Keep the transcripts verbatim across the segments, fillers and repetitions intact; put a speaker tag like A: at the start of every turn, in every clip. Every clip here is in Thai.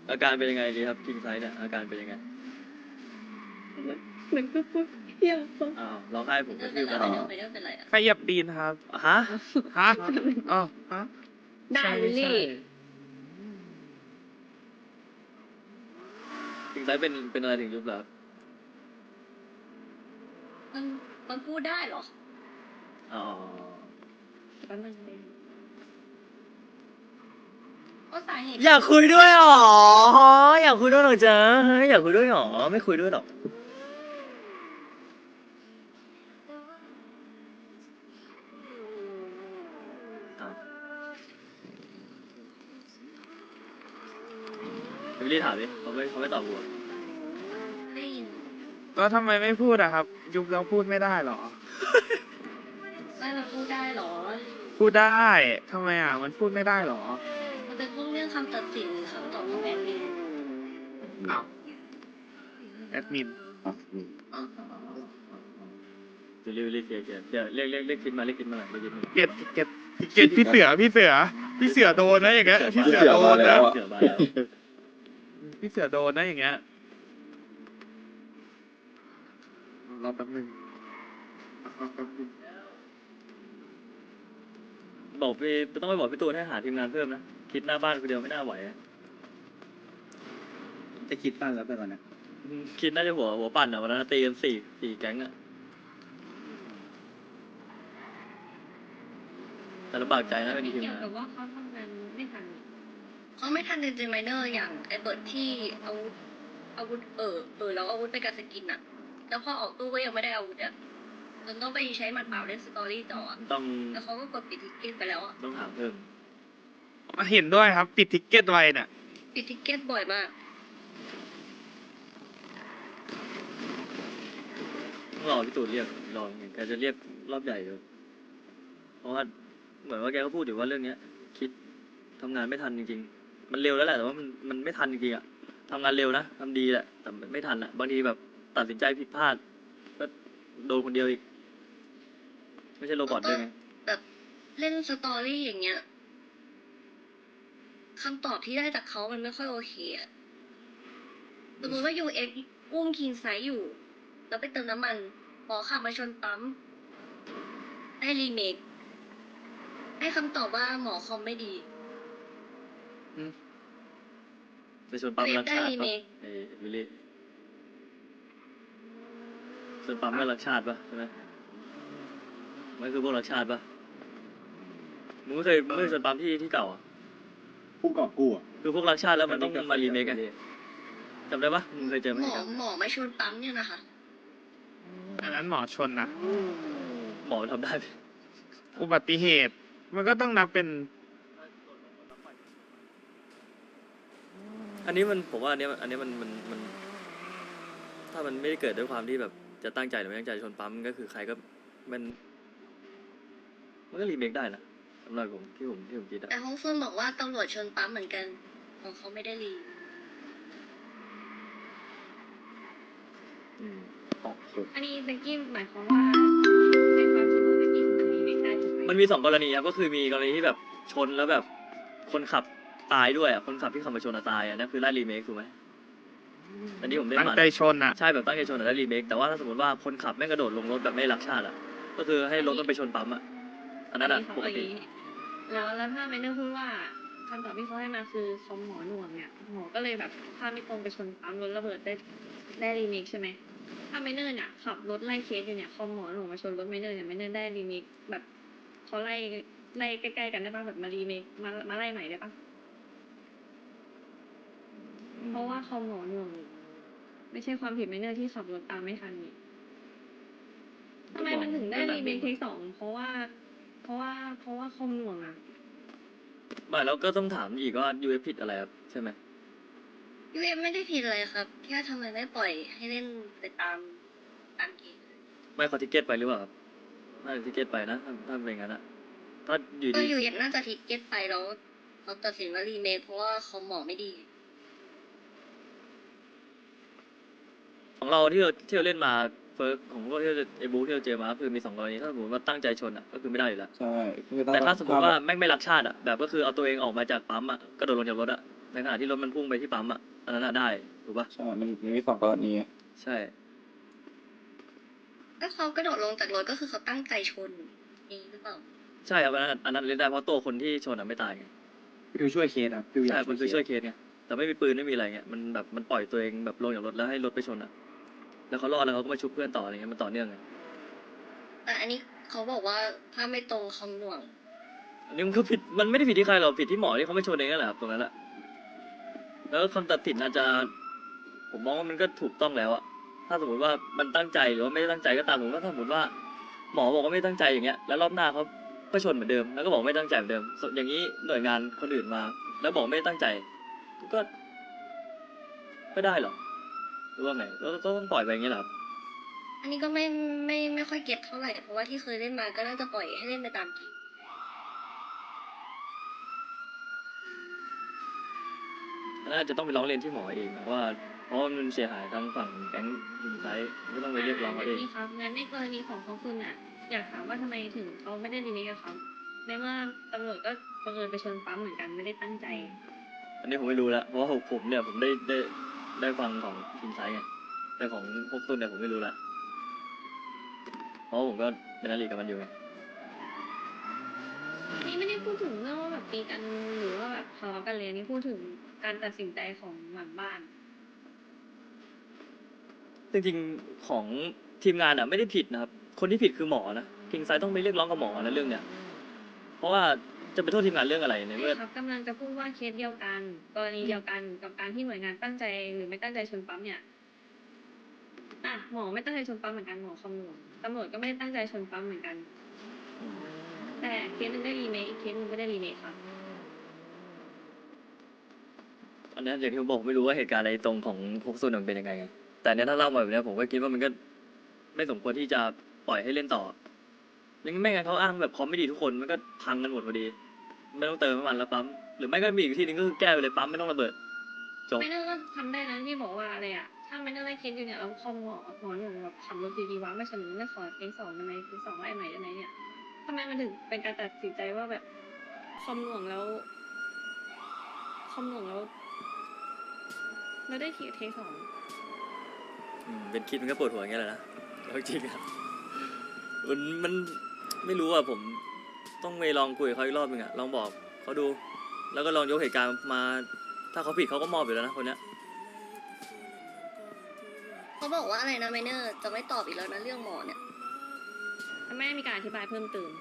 A: อาการเป็นยังไงดีครับคิงไซด์เนี่ยอาการเป็นยังไง
B: เหมือนก็พูดเที่ยว
A: อ้าวร้องไห้ผมกระทืบแล้ว
C: ไม่ได้เป็นไรอะ
D: ใครเหยียบตีนครับ
A: ฮะ
D: ฮะอ๋อฮะ
B: ได้
D: ใช่
B: ลิล
D: ใช่
B: ลี่
A: คิงไซด์เป็นเป็นอะไรถึงยุบเหรอครับ
C: มันมันพูดได้เหรอ
A: อ๋อ
B: แป๊บนึงเลย
C: ก็สาเหตุ
A: อยากคุยด้วยหรออยากคุยด้วยหรอจ๊ะอยากคุยด้วยหรอไม่คุยด้วยหรอกอ้าววิลลี่ถามดิเขาไม่เขาไม่ตอบกูอะ
C: ได้ยิน
D: แล้วทำไมไม่พูดอะครับ ยุบแล้วพูดไม่ได้เหรอ
C: ไม่มันพูดได้เหรอ
D: พูดได้ทำไมอ่ะ มันพูดไม่ได้เหรอ
C: มันเป็นพวกเรื่องคำตัดสินคำตอบของแอดมิน
D: แอดมิน
A: วิลลี่วิลลี่เคลียร์เคลียร์เดี๋ยวเรียกเรียกเรียกคิดมาเรียกคิดมาหน่อยเรียกคิดมา
D: เก็ตเก็ตเก็ตพี่เสือพี่เสือพี่เสือโดนนะอย่างเงี้ยพี่เสือโดนนะ
A: เสือมาแล้ว
D: พี่เสือโดนนะอย่างเงี้ยรอแป๊บนึง
A: บอกพี่ต้องไปบอกพี่ตูนให้หาทีมงานเพิ่มนะคิดหน้าบ้านคนเดียวไม่น่าไหวอะ
E: จะคิดบ้างแล้วไปก่อนนะ
A: คิดน่าจะหัวหัวปั่นอ่ะวันนั้นตีกันสี่สี่แก๊งอ่ะแต่ลำบากใจนะเป็นทีม
B: เกี่ยว
A: งาน
B: กับว่าเขาทำงานไม่ทัน
C: เขาไม่ทันจริงๆไมเนอร์อย่างไอเบิร์ดที่อาวุธอาวุธเออเออแล้วอาวุธไปกับสกินอะแล้วพอออกตู้ก็ยังไม่ได้อาวุธอะจนต้องไปใช้หมัดเปล่าเล่นสตอรี่ต่ออะ
A: ต้อง
C: แล้วเขาก็กดปิดทิกเก็ตไปแล้วอะ
A: ต้องถามเพิ่ม
D: เห็นด้วยครับปิดทิกเก็ตไว้น่ะ
C: ปิดทิกเก็ตบ่อยมาก
A: ต้องรอพี่ตูนเรียกรอแกจะเรียกรอบใหญ่เลยเพราะว่าเหมือนว่าแกก็พูดอยู่ว่าเรื่องเนี้ย คิดทำงานไม่ทันจริงๆ มันเร็วแล้วแหละแต่ว่ามันมันไม่ทันจริงๆอ่ะทำงานเร็วนะทำดีแหละแต่ไม่ทันอ่ะบางทีแบบตัดสินใจผิดพลาดก็โดนคนเดียวอีก ไม่ใช่โรบอทด้วยไง
C: แบบเล่นสตอรี่อย่างเงี้ยคำตอบที่ได้จากเขามันไม่ค่อยโอเคอะสมมติว่ายูเอ็กอุ้มคิงไซด์อยู่ แล้วไปเติมน้ำมันหมอขับมาชนปั๊มได้รีเมคให้คำตอบว่าหมอคอมไม่ดี
A: ไปชนปั๊มรักชาติ
C: ได้ไหม
A: ปะเอ้ยวิลลี่ชนปั๊มก็รักชาติปะใช่ไหมมันคือพวกรักชาติปะมึงไม่เคยมึงไม่เคยชนปั๊มที่ที่เก่าอ่ะ
E: ผู้กอบกู้อ่ะ
A: คือพวกรักชาติแล้วมันต้องมารีเมคกันจำได้ปะมึงเคยเจอไหม
C: หมอหมอมาชนปั๊มเนี่ยนะคะ
D: อันนั้นหมอชนนะ
A: หมอทำได้ไหม
D: อุบัติเหตุ มันก็ต้องนับเป็น
A: อันนี้มันผมว่าอันเนี้ยอันเนี้ยมันมันมัน ถ้ามันไม่ได้เกิดด้วยความที่แบบจะตั้งใจหรือไม่ตั้งใจชนปั๊มก็คือใครก็มันมันก็รีเมคได้นะสำหรับผมที่ผมที่ผมคิดอะ
C: แต่ฮ่องเฟิงบอกว่าตำรวจชนปั๊มเหมือนกันของเขาไม่ได้รี
A: อืม
B: อันนี้เบกกี้หมายความว่าในความคิดว่าเบกกี้ทำรีเมคได้ถูกไหม
A: มันมีสองกรณีครับก็คือมีกรณีที่แบบชนแล้วแบบคนขับตายด้วยอ่ะคนขับที่ขับมาชนอะตายอ่ะนั่นคือไล่รีเมคถูกไหมอันนี้ผมเล่น
D: ตั้ง
A: มา
D: ใจชนอ่ะ
A: ใช่แบบตั้งใจชนอะได้รีเมคแต่ว่าถ้าสมมติว่าคนขับแม่งกระโดดลงรถแบบไม่รักชาติอ่ะก็คือให้รถมันไปชนปั๊มอ่ะอันนั้นอ่ะ
B: เขา
A: ปก
B: เอาอ
A: ติ
B: ย่างนี้แล้วแล้วถ้าเมนเนอร์พูดว่าคำตอบที่เขาให้มาคือคอมหมอหน่วงเนี่ยหมอก็เลยแบบถ้าไม่ตรงไปชนปั๊มรถระเบิดได้ได้รีเมคใช่ไหมถ้าเมนเนอร์เนี่ยขับรถไล่เคสอยู่เนี่ยคอมหมอหน่วงมาชนรถเมนเนอร์เนี่ยเมนเนอร์ได้รีเมคแบบเขาไล่ไล่ใกล้ๆกันได้ป่ะแบบมารีเมคมามาไล่ใหม่ได้ป่ะเพราะว่าคอมหมอหน่วงไม่ใช่ความผิดเมนเนอร์ที่ขับรถตามไม่ทันนี่ทำไมมันถึงได้รีเมคเทคสองเพราะว่า เพราะว่าเพราะว่าคอมหน่วงอ่ะ
A: ไม่แล้วก็ต้องถามอีกว่ายูเอฟผิดอะไรครับใช่ไหม
C: ยูเอ็มไม่ได้ผิดอะไรครับแค่ทำไมไม่ปล่อยให้เล่นไปตามตามเกม
A: ไม่เขาทิเก็ตไปหรือเปล่าครับน่าจะทิเก็ตไปนะถ้าถ้าเป็นอย่างนั้นอะถ้าอยู่
C: ก็
A: ดี
C: ยูเอ็มน่าจะทิกเก็ตไปแล้วเขาตัดสินว่ารีเมคเพราะว่าคอมหมอไม่ดี
A: ของเราที่เราที่เราเล่นมาเฟิร์สของพวกที่เราไอ้บูที่เราเจอมาก็คือมีสองกรณีถ้าสมมติว่าตั้งใจชนอ่ะก็คือไม่ได้อยู่แล้ว
E: ใช่คือ
A: แต่ถ้าสมมติว่าแม่งไม่รักชาติอ่ะแบบก็คือเอาตัวเองออกมาจากปั๊มอ่ะกระโดดลงจากรถอ่ะในขณะที่รถมันพุ่งไปที่ปั๊มอ่ะอันนั้นอะได้ถูกปะ
E: ใช่มันมันมีสองกรณี
A: ใช่
C: ถ้าเขากระโดดลงจากรถก็คือเขาตั้งใจชนนี่หรือเปล่า
A: ใช่ครับอันนั้นอันนั้นเล่นได้เพราะตัวคนที่ชนอ่ะไม่ตายไง
E: ฟิวช่วยเคสอ่ะฟิวอยา
A: ใช่
E: ก
A: มันคือช่วยเคสไงแต่ไม่มีปืนไม่มีอะไรเงี้ยมันแบบมันปล่อยตัวเองแบบลงจากรถแล้วให้รถไปชนอ่ะแล้วเขารอดแล้วเขาก็มาชุบเพื่อนต่ออะไรเงี้ยมันต่อเนื่องไง
C: แต่อันนี้เขาบอกว่าถ้าไม่ตรงคำหน่วง
A: อันนี้มันก็ผิดมันไม่ได้ผิดที่ใครหรอกผิดที่หมอที่เขาไม่ชนเองนั่นแหละครับตรงนั้นแหละแล้วคำตัดสินอาจจะผมมองว่ามันก็ถูกต้องแล้วอะถ้าสมมติว่ามันตั้งใจหรือว่าไม่ได้ตั้งใจก็ตามผมก็ถ้าสมมติว่าหมอบอกว่าไม่ตั้งใจอย่างเงี้ยแล้วรอบหน้าเขาก็ชนเหมือนเดิมแล้วก็บอกไม่ตั้งใจเหมือนเดิมส่วนอย่างนี้หน่วยงานคนอื่นมา แล้วบอกไม่ได้ตั้งใจ ก็ก็ได้เหรอหรือว่าไงแล้วก็ต้องปล่อยไปอย่างเงี้ยเหรอครับ
C: อันนี้ก็ไม่ไม่ไม่ค่อยเก็ตเท่าไหร่เพราะว่าที่เคยเล่นมาก็น่าจะปล่อยให้เล่นไปตามเกม
A: อันนั้นอาจจะต้องไปร้องเรียนที่หมอเองนะว่าเพราะว่ามันเสียหายทางฝั่งแก๊งอินไซต์ก็ต้องไปเรียกร้องเขาเอง
B: นี่ครับงั้นในกรณีของของคุณอ่ะ อยากถามว่าทำไมถึงเขาไม่ได้รีเมคกับเขาในเมื่อตำรวจก็บังเอิญไปชนปั๊มเหมือนกันไม่ได้ตั้งใจ
A: อันนี้ผมไม่รู้แล้วเพราะว่าผมเนี่ยผมได้ได้ได้ฟังของอินไซต์ไงแต่ของพวกตุนเนี่ยผมไม่รู้ละเพราะผมก็เป็นนักเรียนกับมันอยู่ไง
B: นี่ไม่ได้พูดถึงเรื่องว่าแบบตีกันหรือว่าแบบทะเลาะกันเลยนี่พูดถึงการตัดสินใจของหลังบ้าน
A: จริงๆของทีมงานอ่ะไม่ได้ผิดนะครับคนที่ผิดคือหมอนะคิงไซต์ต้องไปเรียกร้องกับหมอนะเรื่องเนี้ยเพราะว่าจะไปโทษทีมงานเรื่องอะไรในเมื่อ
B: ใช่ครับกำลังจะพูดว่าเคสเดียวกัน กรณีเดียวกันกับการที่หน่วยงานตั้งใจหรือไม่ตั้งใจชนปั๊มเนี่ยอ่ะหมอไม่ตั้งใจชนปั๊มเหมือนกันหมอคำนวณตำรวจก็ไม่ได้ตั้งใจชนปั๊มเหมือนกัน แต่เคสหนึงได้รีเมคอีกเคสหนึงไม่ได้รีเมคครับ
A: อันนี้อย่างที่ผมบอกผมไม่รู้ว่าเหตุการณ์ในตรงของพวกซุนมันเป็นยังไง แต่เนี้ยถ้าเล่ามาแบบเนี้ยผมก็คิดว่ามันก็ไม่สมควรที่จะปล่อยให้เล่นต่อยังไม่งั้นเขาอ้างแบบคอมไม่ดีทุกคนมันก็พังกันหมดพอดี ไม่ต้องเติมน้ำมันแล้วปั๊มหรือไม่ก็มีอีกที่หนึงก็คือแก้ไปเลยปั๊มไม่ต้องระเบิดจบ
B: ไม่น่าก็ทำได้นะที่บอกว่าอะไรอะถ้าไม่น่าได้เคสอยู่เนี่ยเราคอมหมอหมอหนุ่มแบบขับรถดีๆวะไม่เสนอไม่ขอเองสองได้ไหมเองสองว่าไอ้ใหม่ได้ไหมเนี่ยทำไมมันถึงเป็นการตัดสินใจว่าแบบคอมหน่วงแล้วคอมหน่วงแล้วแล้วได้ทีเทคสอง
A: อืมเป็นคิดมันก็ปวดหัวอย่างเงี้ยแหละนะเอาจริงอะมันมันไม่รู้อะผมต้องไปลองคุยกับเขาอีกรอบนึงอะลองบอกเขาดู แล้วก็ลองยกเหตุการณ์มา ถ้าเขาผิดเขาก็มอบอยู่แล้วนะคนเนี้ย
C: เขาบอกว่าอะไรนะไมเนอร์จะไม่ตอบอีกแล้วนะเรื่องหมอเนี่ย
B: ถ้าไม่ได้มีการอธิบายเพิ่มเติม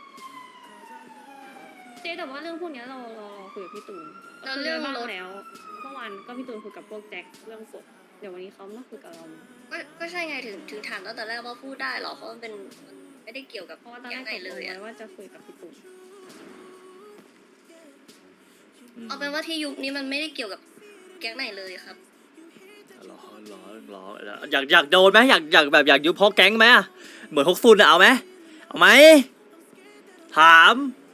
B: เจ๊แต่ว่าเรื่องพวกเนี้ยเราเราเราคุยกับพี่ตูน
C: แล้วเรื่อง
B: คุยกัน
C: ร
B: บ้า
C: ถ
B: แล้วเมื่อวานก็พี่ตูนคุยกับพวกแจ็คเรื่องกฎเดี๋ยววันนี้เขามาคุยกับเรา
C: ก็ก็ใช่ไงถึงถึงถามตั้งแต่แรกว่าพูดได้เหรอเพราะมันเป็นมันไม่ได้เกี่ยวกับ
B: เพราะว่าตอนแร
C: ยั
B: ก
C: งไง
B: ตก
C: เล
B: ลง
C: ยอะ
B: ไว้ว่าจะคุยกับพี่ตูน
A: อืม
C: เอาเป็นว่าที่ยุคนี้มันไม่ได้เกี่ยวกับแก๊งไหนเลยครับ
A: หรอหรอหรออยากอยากโดนไหมอยากอยากแบบอยากยุบเพราะแก๊งไหมอะเหมือนฮกซุนอะเอาไหมเอาไหมถาม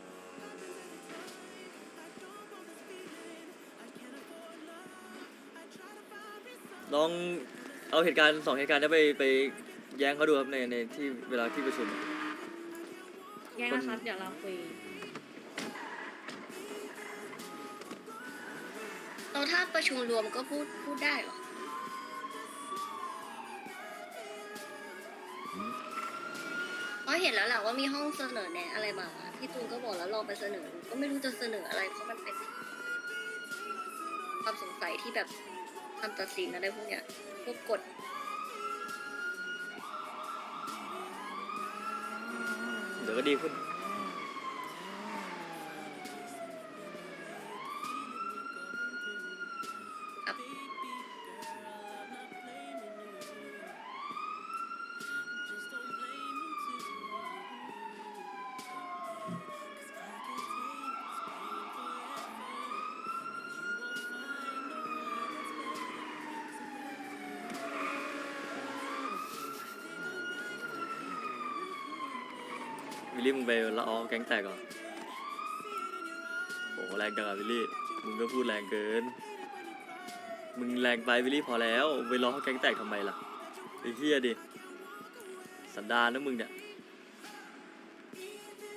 A: ลองเอาเหตุการณ์สองเหตุการณ์นี้ไปไปแย้งเขาดูครับในในที่เวลาที่ประชุม
B: แย่นะครับ เดี๋ยวเราคุย
C: เราถ้าประชุมรวมก็พูดพูดได้เหรอ เพราะเห็นแล้วแหละว่ามีห้องเสนอแนะอะไรมาพี่ตูนก็บอกแล้วลองไปเสนอดูก็ไม่รู้จะเสนออะไรเพราะมันเป็นความสงสัยที่แบบคำตัดสินอะไรพวกเนี้ยพวกกฎ
A: เดี๋ยวก็ดีขึ้น
C: ครับ
A: วิลลี่มึงไปละออแก๊งแตกก่อนโอ้แรงจังอะวิลลี่มึงก็พูดแรงเกินมึงแรงไปวิลลี่พอแล้วไปล้อแก๊งแตกทำไมล่ะไอ้เหี้ยดิสันดานนะมึงเนี่ย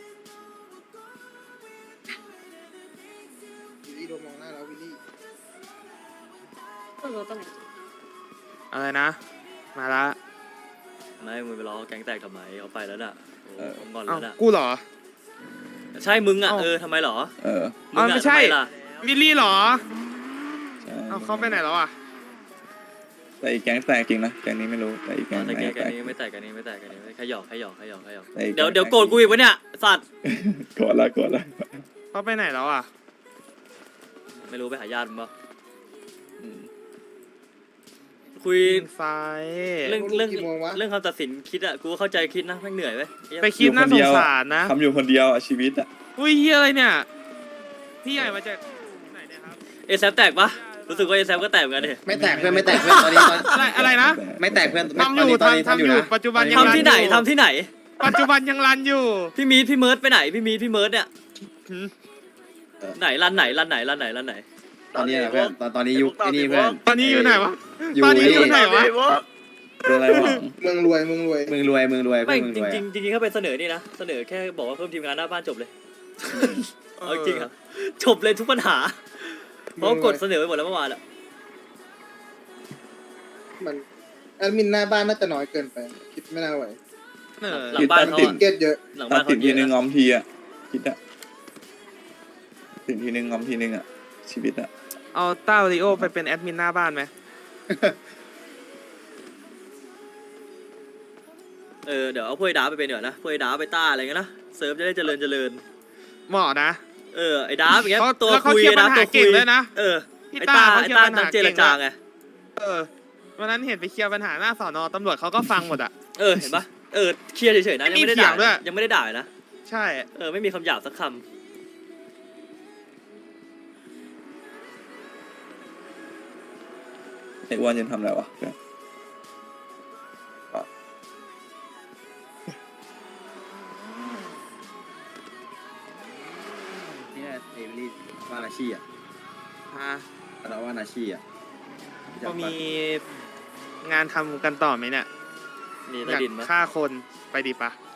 F: วิลลี่โดนมองหน้าแล้ววิลลี่
B: เปิดรถตรงไหน
D: อะไรนะ มาละ
A: ไม่มึงไปล้อแก๊งแตกทำไมเอาไปแล้วน่ะโอ้
E: เออ
A: ผมงอน
D: เอ้า
A: แล้วน่ะ
D: กูเหรอ
A: ใช่มึงอ่ะ
D: เอ้า
A: เออทำไมเหรอ
E: เออ
A: มึง
D: อ๋อ
A: อ่ะ
D: ไม่ใช่
A: ทำไมล่ะ
D: วิลลี่เหรอ
E: ใช่
D: เอ้าเขาไปไหนแล้วอ่ะ
E: แต่อีกแก๊งแตกจริงนะแก๊งนี้ไม่รู้แต่อีกแก๊ง
A: แต่
E: ไหน
A: แก
E: แต
A: แก
E: ก
A: นี้ไม่แตกแกันนี้ไม่แตกแกันนี้ไม่แค่หยอกแค่หยอกแค่หยอกแค่หยอก
E: แต่อีก
A: เดี๋ยว
E: แก๊ง
A: เดี๋ยวโกรธกูอีกวะเนี่ยสัตว์
E: โกรธละโกรธละ
D: เขาไปไหนแล้วอ่ะ
A: ไม่รู้ไปหาญาติมึงปะอืมคุย
D: ยิงไฟ
A: เรื่องเรื่อง
F: กี่โมงวะ
A: เรื่องคำตัดสินคิดอะกูก็เข้าใจคิดนะแม่งเหนื่อยเว้ยเหี้ย
D: ไปคิดน่าสงสารนะ
E: ทำอยู่คนเดียวอ่ะชีวิตอ่ะ
D: อุ้ยเฮียอะไรเนี่ย พี่ใหญ่มาจากไหนเนี่ยครับ
A: เอแซฟแตกปะรู้สึกว่าเอแซฟก็แตกเหมือนกันดิ
F: ไม่แตกเพื่อนไม่แตกเพื่อนตอนนี้ตอน
D: อะไรอะไรนะ
F: ไม่แตกเพื่อนไม่
D: ทำ
F: ต
D: อ
F: อน
D: ยู่
F: นี้ตอนนี้
D: ทำ
F: ทำ
D: ทำ
F: อ
D: อยู่ ยู่
F: นะ
D: ปัจจุบันยัง
A: ทำที่ไหน
D: รัอยู่
A: ทำที่ไหน
D: ปัจจุบันยังรันอยู่
A: พี่มีดพี่เมิร์ดไปไหนพี่มีดพี่เมิร์ดเนี่ย
D: หืม
A: ไหนรันไหนรันไหนรันไหนรันไหน
F: ตอนนี้นะเพื่อนตอนตอนนี้ยุคไอ้นี่เพื่อน
D: ตอนนี้อยู่ไหนวะ
F: อยู่
D: ตอนนี้อยู่ไหน
F: นี่
D: วะ
E: เป็นอะไรวะ
F: เมืองรวยเมืองรวยเมืองรวยเมืองรวย
A: ไม่
F: เมือง
A: จ
F: รวย
A: ริงๆจริงๆเขาไปเสนอนี่นะเสนอแค่บอกว่าเพิ่มทีมงานหน้าบ้านจบเลยเอาจริงอะจบเลยทุกปัญหาเพราะกดเสนอไปหมดแล้วเมื่อวานอะ
F: มันแอดมินหน้าบ้านน่าจะน้อยเกินไป คิดไม่น่าไหว
D: เออ
A: หลังบ้านเขา
F: ติด
A: อะ
F: เก็ตเยอะ
A: หลัง
E: ตั
A: บ้า
E: ด
A: นเขา
E: สินทีนึงง
A: เย
E: อ
A: อะนะ
E: มทีอ่ะคิดอ่ะสินทีนึงงอมทีนึงอ่ะชีวิตอ่ะ
D: เอาต้าริโอไปเป็นแอดมินหน้าบ้านไหม
A: เออเดี๋ยวเอาพวกไอ้ดาไปเป็นเดี๋ยวนะพวกไอ้ดาไปต้าอะไรเงี้ยนะเซิร์ฟจะได้เจริญเจริญ
D: เหมาะนะ
A: เออไอ้ดาอย่างเงี้ย
D: เขา
A: ตัว
D: แล้วเขา
A: คุย
D: เคลียร์
A: ไอ้ดา
D: ปัญหา
A: ตัวคุ
D: เก่
A: ย
D: งด้วยนะ
A: เออ
D: พี่
A: ไอ้
D: ต้า
A: ต้า
D: เขา
A: ไอ้
D: เคลีย
A: ต้า
D: ร์ปัญ
A: นั
D: หาก
A: เจ
D: เก่
A: รง
D: ด้
A: จา
D: วย
A: ไง
D: เออวันนั้นเห็นไปเคลียร์ปัญหาหน้าสอนอตำรวจเขาก็ฟังหมดอ่ะ
A: เออเห็นปะเออเคลียร์เฉยๆนะยัง
D: ไม่มี
A: ไม่ได้ด่า
D: เถียงด้วย
A: ยังไม่ได้ด่าเลยนะ
D: ใช่
A: เออไม่มีคำหยาบสักค
E: ไอ้อ้วนยังทำอะไรวะเพื่อน
F: เนี่ยเอมิลี่ว่านาชีอ่ะ
D: ฮะ
F: เราว่านาชีอ่ะ
D: ก็มีงานทำกันต่อไหมเนี่ย
A: ำมี
D: อ
A: ใต้
D: ยาก
A: ดินปะ
D: ฆ่าคนไปดีปะ